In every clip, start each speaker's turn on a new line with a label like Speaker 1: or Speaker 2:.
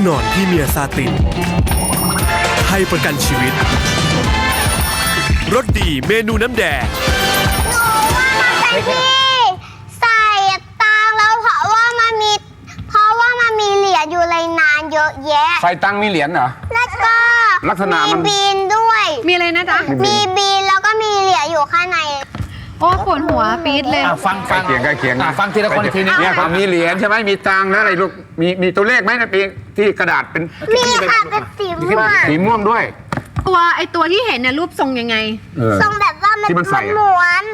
Speaker 1: นอนพรีเมียร์ซาตินให้ประกันชีวิตรสดีเมนูน้ำแดง
Speaker 2: ที่ใส่ตังแล้วเพราะว่ามันมีเหรียญอยู่เลยนานเยอะแยะ
Speaker 3: ใส่ตังมีเหรียญเหรอ
Speaker 2: แล้วก็
Speaker 3: ลักษณะมัน
Speaker 2: มีบีนด้วย
Speaker 4: มีอะไรนะจ๊ะ
Speaker 2: มีบีนแล้วก็มีเหรียญอยู่ข้างใน
Speaker 4: โอ้ปวดหัวปี๊ดเลย
Speaker 3: ฟังใกล้เคียง
Speaker 5: ฟังทีละคนทีนี้
Speaker 3: เนี่ยมีเหรียญใช่ไหมมีตังแล้วอะไรลูกมีตัวเลขไหมนะปีที่กระดาษเป็น
Speaker 2: มีค่ะเป็นสีม่วง
Speaker 3: สีม่วงด้วย
Speaker 4: ตัวที่เห็นเนี่ยรูปทรงยังไง
Speaker 2: ทรงแบบว่ามันม้วน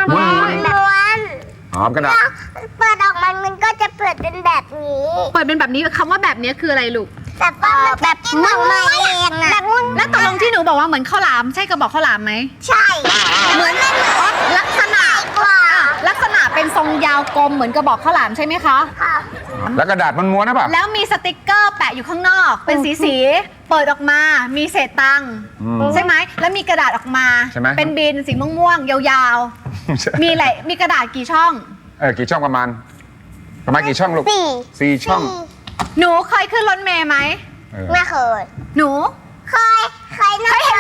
Speaker 3: อ๋อกระดาษ
Speaker 2: เปิดออกมันก็จะเปิดเป็นแบบนี้
Speaker 4: เปิดเป็นแบบนี้คำว่าแบบนี้คืออะไรลูก
Speaker 2: แบบม้วนแบบม้วน
Speaker 4: แล้วตกลงที่หนูบอกว่าเหมือนข้าวหลามใช่กระบอกข้าวหลามไหม
Speaker 2: ใช่
Speaker 4: เหมือนลักษณะเป็นทรงยาวกลมเหมือนกระบอกข้าวหลามใช่ไหมคะ
Speaker 3: แล้วกระดาษมันม้วนนะป่ะ
Speaker 4: แล้วมีสติกเกอร์แปะอยู่ข้างนอกเป็นสีเปิดออกมามีเศษตังค์ใช่ไหมแล้วมีกระดาษออกมาเป็นบินสีม่วงๆยาวๆมีอะไรมีกระดาษกี่ช่อง
Speaker 3: กี่ช่องประมาณกี่ช่องลูก4 ช่อง
Speaker 4: หนูเคยขึ้นรถเมล์ไหม
Speaker 2: ไม่เคย
Speaker 4: หนู
Speaker 2: เคยนั่ง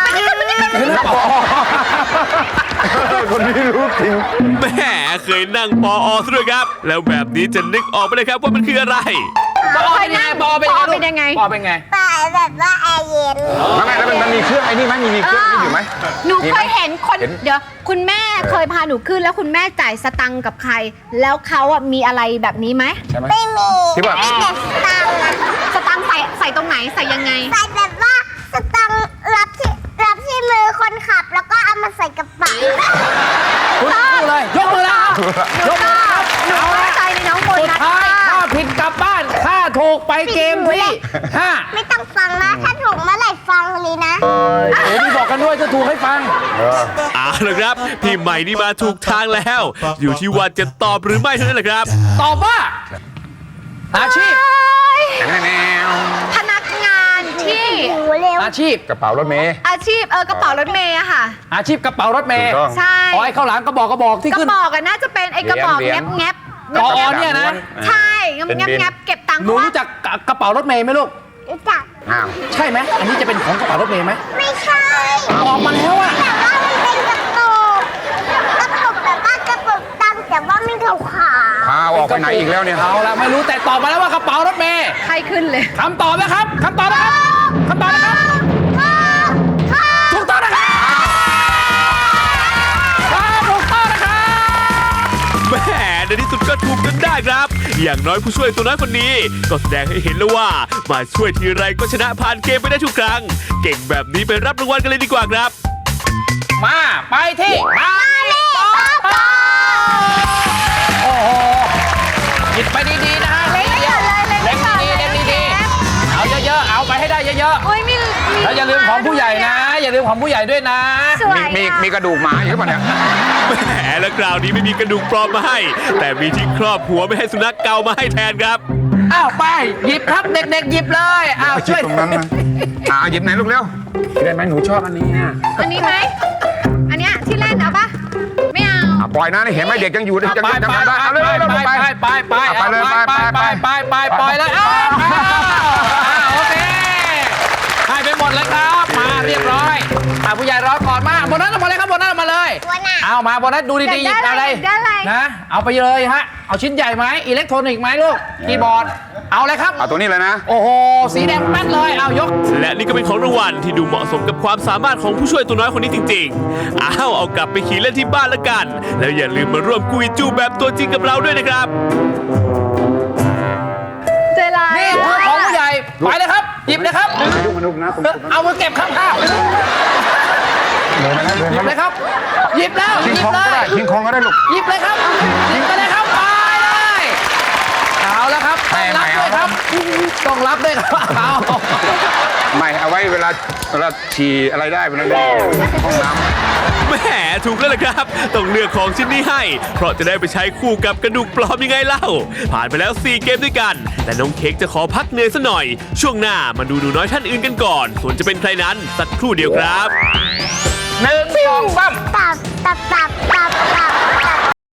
Speaker 3: คนนี้รู้จริง
Speaker 1: แหมเคยนั่งปอซะด้วยครับแล้วแบบนี้จะนึกออกไปเลยครับว่ามันคืออะไร
Speaker 4: ปอเป็นยังไงปอเป็นยังไง
Speaker 2: แบบว่าแอร์เย็น
Speaker 3: ไม่แล้วมันมีเครื่องไอ้นี่ไหมมีเครื่องนี่อยู่ไหม
Speaker 4: หนูเคยเห็นคนเดี๋ยวคุณแม่เคยพาหนูขึ้นแล้วคุณแม่จ่ายสตังค์กับใครแล้วเขาอ่ะมีอะไรแบบนี้ไหม
Speaker 2: ไม่มี
Speaker 3: ที่ว่า
Speaker 4: สตังค์ใส่ตรงไหนใส่ยังไง
Speaker 2: ใส่แบบว่าสตังค์รับที่มือคนขับแล้วก็เอามาใส่กระเป๋า
Speaker 5: เลยยกมือแล้วยกมือ
Speaker 4: หนูเข้าใจในน้องบนนะ
Speaker 5: ถ้าผิดกลับบ้านถ้าถูกไปเกมที่5
Speaker 2: ไม่ต้องฟังนะถ้าถูกเมื่อไหร่ฟังเลยนะ
Speaker 5: พี่บอกกันด้วยจะถูกให้ฟัง
Speaker 1: เอาละครับพี่ใหม่นี่มาถูกทางแล้วอยู่ที่ว่าจะตอบหรือไม่เท่านั้นแหละครับ
Speaker 5: ตอบว่าอาชีพ
Speaker 4: พนักงานที่
Speaker 5: อาชีพ
Speaker 3: กระเป๋ารถเมย์
Speaker 4: อาชีพกระเป๋ารถเมย์อะค่ะ
Speaker 5: อาชีพกระเป๋ารถเมย์
Speaker 4: ใช่
Speaker 5: ไอ้ข้าวหลามกระบอกที่ขึ้น
Speaker 4: กระบอกน่าจะเป็นไอ้กระบอกแงบ
Speaker 5: กอเนี่ยนะ
Speaker 4: ใช่แงบเก็บตังค์
Speaker 5: หนูรู้จักกระเป๋ารถเมย์ไหมลูก
Speaker 2: รู้จัก
Speaker 5: ใช่ไหมอันนี้จะเป็นของกระเป๋ารถเมย์ไหม
Speaker 2: ไม่ใช่
Speaker 5: ออกมาแล้วอะ
Speaker 2: แต่ว่ามันเป็นกระปุกแบบว่ากระปุกตังค์แต่ว่าไม่ขาว
Speaker 3: ออกไปไหนอีกแล้วเนี่ย
Speaker 5: เอาละไม่รู้แต่ตอบมาแล้วว่ากระเป๋ารถเมย์
Speaker 4: ใครขึ้นเลย
Speaker 5: คำตอบนะครับถูกต้องนะครับถูกต้องนะครับ
Speaker 1: แหมในที่สุดก็ถูกจนได้ครับอย่างน้อยผู้ช่วยตัวน้อยคนนี้ก็แสดงให้เห็นแล้วว่ามาช่วยทีไรก็ชนะผ่านเกมไปได้ทุกครั้งเก่งแบบนี้ไปรับรางวัลกันเลยดีกว่าครับ
Speaker 5: มาไปที่มาโอ้โหหยิบไปดีๆนะฮะ
Speaker 4: เล่นดี
Speaker 5: เอาเยอะๆเอาไปให้ได้เยอะๆแล้วอย่าลืมของผู้ใหญ่นะอย่าลืมของผู้ใหญ่ด้วยนะ
Speaker 3: มีกระดูกหมาอยู่ป่ะเนี่ย
Speaker 1: แหมแล้วคราวนี้ไม่มีกระดูกปลอมมาให้แต่มีที่ครอบหัวไม่ให้สุนัขเกามาให้แทนครับ
Speaker 5: อ้าวไปหยิบครับเด็กๆหยิบเลยอ้าวช่วย
Speaker 3: ตรงนั้นนะหยิบไหนลูกเร็วได้ไหมหนูชอบอันนี้
Speaker 4: อันนี้ไหมอันเนี้ยที่เล่นเอาปะไม่เอา
Speaker 3: ปล่อยนะเห็นไหมเด็กยังอยู่ยังได้เอาเลย
Speaker 5: ไปเลยไปเลยโอเคให้ไปหมดเลยครับมาเรียบร้อยผู้ใหญ่รอก่อนมาโบนัสออกมาเลยครับโบนัสออกมาเลยเอามาโบนัสดูดีๆหยิบอะไรนะเอาไปเลยฮะเอาชิ้นใหญ่ไหมอิเล็กทรอนิกส์ไหมลูกคีย์บอร์ดเอาเลยครับ
Speaker 3: เอาตัวนี้เลยนะ
Speaker 5: โอ้โหสีแดงแป๊ดเลยเอายก
Speaker 1: และนี่ก็เป็นของรางวัลที่ดูเหมาะสมกับความสามารถของผู้ช่วยตัวน้อยคนนี้จริงๆเอากลับไปขี่เล่นที่บ้านละกันแล้วอย่าลืมมาร่วมกุยจูแบบตัวจริงกับเราด้วยนะครับ
Speaker 4: เจราย
Speaker 5: นี่คือของผู้ใหญ่ไปเลยครับหยิบเลยครับเอามือเก็บข้างๆหยิบเลยครับหยิบแล้ว
Speaker 3: คิงคองก็ได้คิงคองก็ได้ลูก
Speaker 5: หยิบเลยครับหยิบไปเลยครับไปเลยเอาแล้วครับต้องรับด้วยครับเอา
Speaker 3: ไม่เอาไว้เวลาฉี่อะไรได้เวลาห้องน้
Speaker 1: ำแหมถูกแล้วล่ะครับต้องเลือกของชิ้นนี้ให้เพราะจะได้ไปใช้คู่กับกระดูกปลอมยังไงเล่าผ่านไปแล้ว4เกมด้วยกันแต่น้องเค้กจะขอพักเหนื่อยซะหน่อยช่วงหน้ามาดูหนูน้อยท่านอื่นกันก่อนส่วนจะเป็นใครนั้นสักครู่เดียวครับ
Speaker 5: 1 2 3